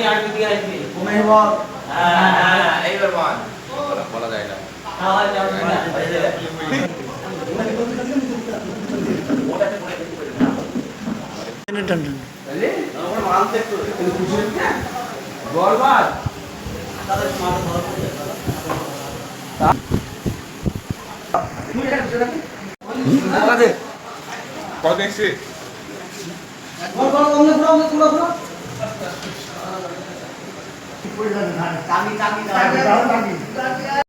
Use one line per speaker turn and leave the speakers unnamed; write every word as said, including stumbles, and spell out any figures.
আসবে দিয়ে আসবে
ঘুমিয়ে বল।
হ্যাঁ হ্যাঁ এইবার বল
বলা যায় না।
খাওয়া যাবে না
টান টান
তাহলে আমার মাল দেখতো তুমি খুশি হচ্ছে বল বল তাহলে মাল ধর তুমি এটা বুঝে রাখি কাজে
কত দেখছি
বল বল অন্য পুরো অন্য পুরো পুরো চাবি চাবি চাবি